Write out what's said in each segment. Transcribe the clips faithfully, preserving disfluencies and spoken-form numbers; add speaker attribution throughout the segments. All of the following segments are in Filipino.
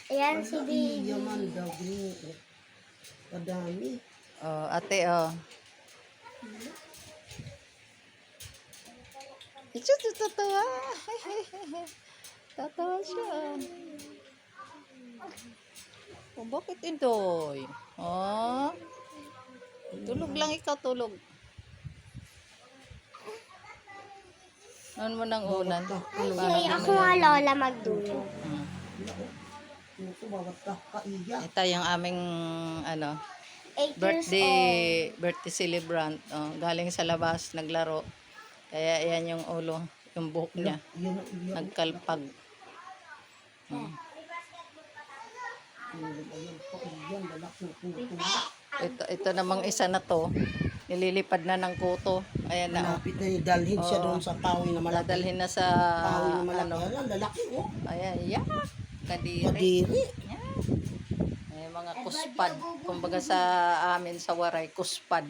Speaker 1: Ayan si
Speaker 2: Wala,
Speaker 1: baby.
Speaker 2: yaman daw, ginoo. Kadami.
Speaker 3: Oh, ate, oh. Ito, tatawa. Tatawa siya. Oh, bakit indoy? Oh. Tulog lang ikaw, tulog. Noon mo nang unan.
Speaker 1: Ay, ako nga lola magdulo.
Speaker 3: Hmm.
Speaker 2: Ito, bawat ka, kaiya.
Speaker 3: Ito yung aming ano,
Speaker 1: eight years old.
Speaker 3: birthday birthday celebrant. Oh, galing sa labas, naglaro. Kaya yan yung ulo, yung buhok niya.
Speaker 2: Yan ang iyak.
Speaker 3: Nagkalpag. Hmm.
Speaker 2: Ayan, kaiyan, lalak ng puto.
Speaker 3: Ito, ito namang isa na to. Nililipad na ng kuto. Ayan na. Oh.
Speaker 2: Malapit na yung dalhin siya
Speaker 3: Oo.
Speaker 2: doon sa kahoy na malaki.
Speaker 3: Dadalhin na sa
Speaker 2: Kahoy na malaki.
Speaker 3: ano.
Speaker 2: Ayan, lalaki, oh.
Speaker 3: Ayan, yeah. Kadiri.
Speaker 2: Kadiri.
Speaker 3: Yan. Ay, mga kuspad. Kumbaga sa amin sa Waray, kuspad.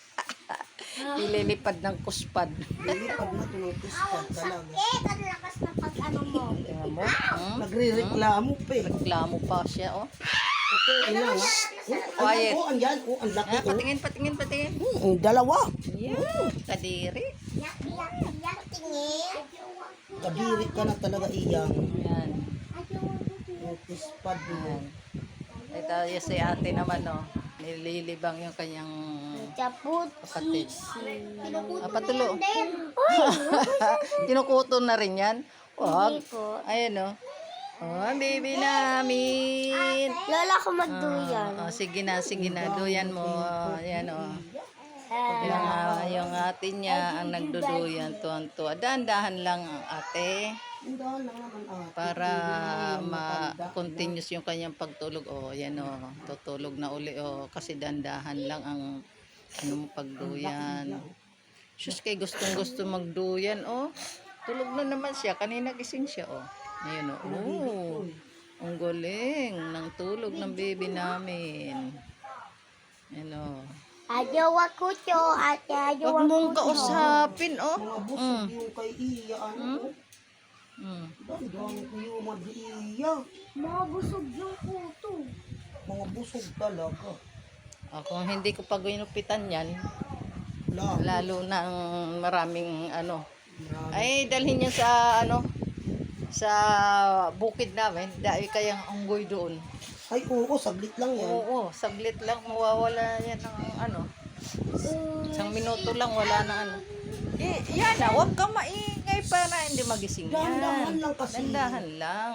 Speaker 3: Nililipad ng kuspad.
Speaker 2: Lilipad na ito ng kuspad talaga.
Speaker 1: Eh, ang lakas ng pag-ano mo.
Speaker 3: Tingnan mo. Hmm?
Speaker 2: Nagre-reklamo pa eh.
Speaker 3: Reklamo pa siya, oh.
Speaker 2: Ito, ina nga.
Speaker 3: Quiet.
Speaker 2: Oh, andyan. Oh, ang laki.
Speaker 3: Ah,
Speaker 2: Oh.
Speaker 3: patingin, patingin, patingin.
Speaker 2: Hmm, dalawa.
Speaker 3: Yeah. Kadiri.
Speaker 1: Yak, yak, yak, tingin.
Speaker 2: Kadiri ka na talaga iyang.
Speaker 3: Yan.
Speaker 2: Yung kuspad mo.
Speaker 3: Yan. Ito yung si ate naman, oh. Nililibang yung kanyang
Speaker 1: Chaput.
Speaker 3: kapatid. Ah, patulo.
Speaker 1: Uy,
Speaker 3: Kinukuto na rin yan. Wag.
Speaker 1: hindi po.
Speaker 3: Ayan, oh. Oh, ang baby namin.
Speaker 1: Lola ko magduyan.
Speaker 3: Oh, sige na, sige na. Duyan mo. Ayan, oh.
Speaker 1: Ah,
Speaker 3: Yung, ah, yung ate niya ang nagduduyan. Tuwan-tuwa. Dahan-dahan lang ang ate.
Speaker 2: Ang dahil lang naman ate.
Speaker 3: Para ma-continuous yung kanyang pagtulog. Oh, yan, oh. Tutulog na uli, oh. Kasi dandahan lang ang ano mo pagduyan. Sus, kay gustong-gusto magduyan, oh. Tulog na naman siya. Kanina gising siya, oh. Ayun, oh. Oh, ang galing ng tulog ng baby namin. Ayun, oh.
Speaker 1: Ayaw ako to, ate. Ayaw
Speaker 3: Huwag
Speaker 1: ako
Speaker 3: mong
Speaker 1: to.
Speaker 3: kausapin, oh.
Speaker 2: Mga busog
Speaker 3: Mm.
Speaker 2: yung kay iya. Ano?
Speaker 3: Mm.
Speaker 2: Dandang ko yung mag-iya.
Speaker 1: Mga busog yung kuto.
Speaker 2: Mga busog talaga.
Speaker 3: Ako, hindi ko pa ginupitan yan.
Speaker 2: Wala.
Speaker 3: Lalo na ang maraming ano.
Speaker 2: Marami.
Speaker 3: Ay, dalhin niya sa ano, sa bukid namin. Dahil kayang unggoy doon.
Speaker 2: Ay, oo, saglit lang yan.
Speaker 3: Oo, saglit lang mawawala yan ng ano. Isang minuto lang wala na ano. Eh, yan na, huwag ka maingay para hindi magising yan.
Speaker 2: Dahan-dahan lang kasi.
Speaker 3: Dandahan lang.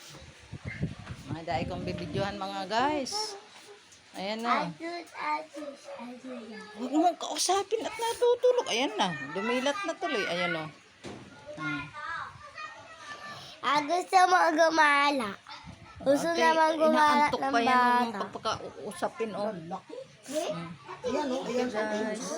Speaker 3: Mga dahil kong bibidyohan mga guys. Ayan na.
Speaker 1: Adus, adus, adus.
Speaker 3: Huwag mong kausapin at natutulog. Ayan na, dumilat na tuloy. Ayan o. Hmm.
Speaker 1: Ah, gusto mo gumala. Gusto
Speaker 3: Ate,
Speaker 1: naman gumala
Speaker 3: inaantok
Speaker 1: ng
Speaker 3: pa yan
Speaker 1: bata.
Speaker 3: pagpakausapin o.
Speaker 2: Laki.
Speaker 1: Eh?
Speaker 2: Ayan, oh, ayan.
Speaker 3: Guys.